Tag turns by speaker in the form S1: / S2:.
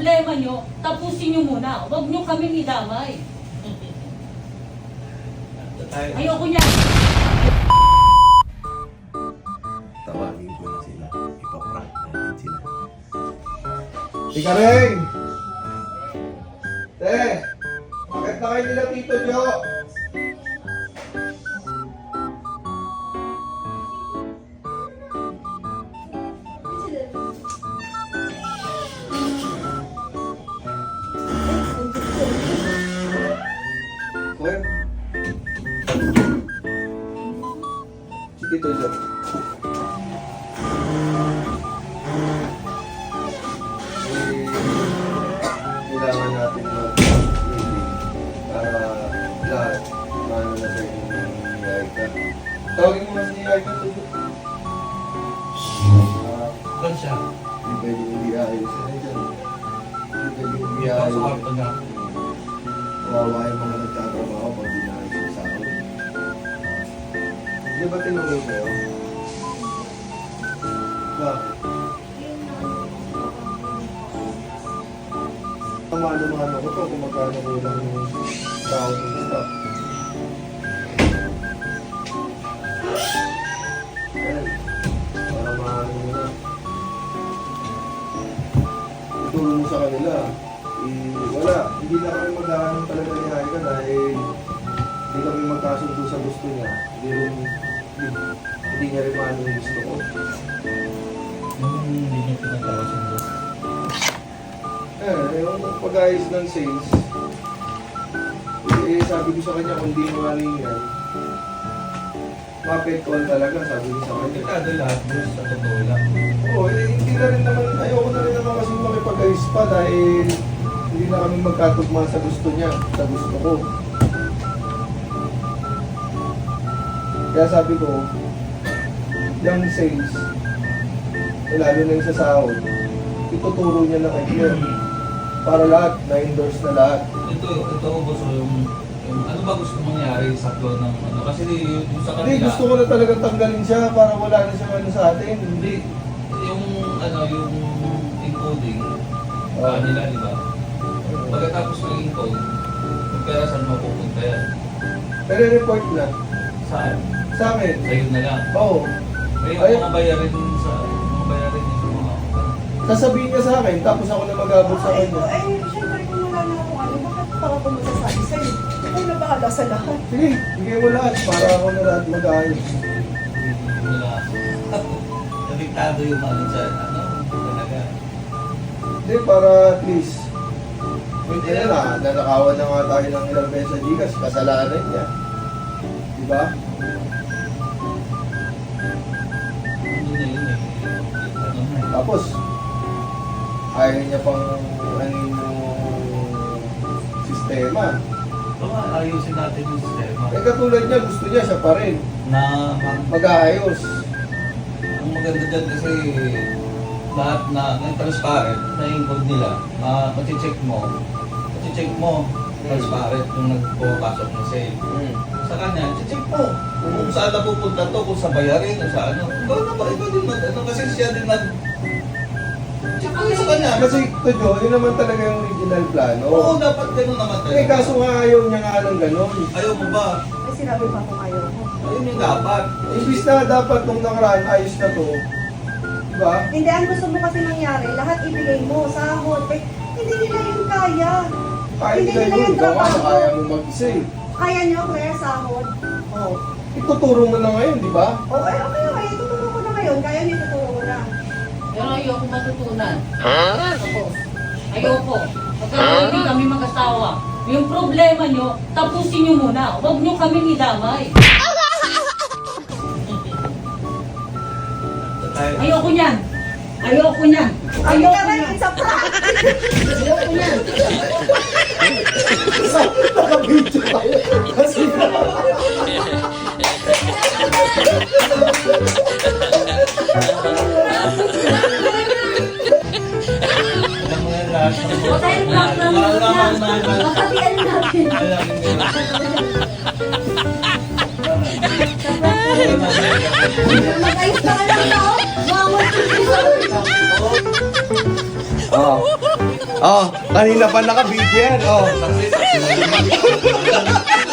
S1: problema nyo, tapusin nyo muna. Huwag nyo kami idamay. Ayoko niya.
S2: Tawagin ko na sila. Ipaprank natin sila. Ika rin! Te! Bakit na kayo nila Tito Jo? Kuya? Si Tito Jo. Kailangan natin mag-meeting para lahat maano na sa inyo ni Aika. Tawagin mo na si Aika to.
S3: Doon siya.
S2: Hindi pwede hindi ayos. Hindi pwede hindi
S3: Sa
S2: ayos.
S3: kwarto niya.
S2: Kawawa yung mga nagtatrabaho pag di na ayos sa sahod. Hindi ba tinulong sa'yo? Bakit? Mano-mano ko to kung magkano kulang yung tao ng stock. Ayan. Para maano mo na. Itulong mo sa kanila. Wala. Hindi na kami maghahanap talaga ni Aika dahil hindi kami magkasundo sa gusto niya. Hindi niya rin maano yung gusto ko.
S3: Hindi niya pinagkakasundo.
S2: Yung pag-ayos ng sales, sabi ko sa kanya, kung di mo aling yan, mapektual talaga, sabi ko sa kanya.
S3: Delikado lahat, boss. Sa totoo lang.
S2: Oo, hindi na rin naman, ayoko na rin naman kasi makipag-ayos pa dahil hindi na kami magkatugma sa gusto niya, sa gusto ko. Kaya sabi ko, yung sales, lalo na yung sa sahod, ituturo niya na kay Claire. Para lahat, na-endorse na lahat.
S3: Ito boss, yung ano ba gusto mangyari sa flow ng ano? Kasi yung sa
S2: Hindi,
S3: kanila,
S2: gusto ko na talagang tanggalin siya para wala na siya ano sa atin.
S3: hindi, yung ano, yung encoding,
S2: Ah.
S3: nila, di ba? Pagkatapos ng encode, yung pera saan mapupunta yan?
S2: Pero report na.
S3: Saan?
S2: Sa akin.
S3: Sa'yo na lang.
S2: Oo.
S3: May
S2: Ay.
S3: mga bayarin sa mga bayarin yung mga
S2: Sasabihin niya sa akin, tapos ako na mag-abot sa kanya.
S4: Siyempre kung wala na akong ano, bakit pa ako masasabi sa'yo? Ako na bahala sa lahat.
S2: Sige, bigay mo lahat para ako na lahat mag-ayos.
S3: nila. Nabiktado yung ano sa ano, talaga.
S2: Hindi, para at least. Hindi na, nanakawan na nga tayo ng ilang beses sa Gcash, kasalanan niya. Diba?
S3: Ano na yun eh. Ano na eh.
S2: Tapos, ayaw niya pang ano yung sistema.
S3: Baka ayusin natin yung sistema.
S2: Eh katulad niya, gusto niya siya pa rin.
S3: Na
S2: Mag-aayos.
S3: ang maganda dyan kasi lahat na transparent na yung code nila, check mo, transparent yung nagpapasok ng sale. Sa kanya, check mo kung saan na pupunta to, kung sa bayarin o sa ano. Ikaw na ba? Ikaw din ano, kasi siya din check mo sa kanya.
S2: Kasi ito Jo, yun naman talaga yung original plano.
S3: Oo, dapat gano'n naman
S2: Eh kaso nga ayaw niya nga ng ganon.
S3: Ayaw mo ba?
S4: Ay, sinabi pa kung ayaw ko.
S3: Ayun yung dapat.
S2: Imbis na dapat nung nakaraan, ayos na to. Diba?
S4: Hindi, ang gusto mo kasi nangyari, lahat ibigay mo, sahod. Eh, hindi nila yun kaya.
S2: Kahit
S4: Hindi
S2: na
S4: nila
S2: yun,
S4: yung
S2: ikaw nga,
S4: trabaho.
S2: kaya mo mag-isa eh.
S4: Kaya nyo, kaya sahod. Oh.
S2: Ituturo mo na ngayon, di ba?
S4: Oh, eh, okay, tuturo ko na ngayon. Kaya nyo, tuturo ko na.
S1: Pero ayoko matutunan. Ako. Ayoko. Pagka hindi kami mag-asawa, yung problema nyo, tapusin nyo muna. Huwag nyo kami idamay. Ayoko niyan. Ayoko niyan.
S4: Ay,
S1: Ayoko
S4: kaya
S1: niyan.
S4: it's a prank.
S1: Ayoko niyan.
S2: Naka-video tayo. Kasi
S3: Alam mo yan lahat.
S1: O tayo block lang muna. Pagkatian natin.
S4: Mag-ayos na ka lang to. Mawag ko
S2: Oo. Oh, kanina pa naka-video yan. Oh.
S3: Saksi na naman.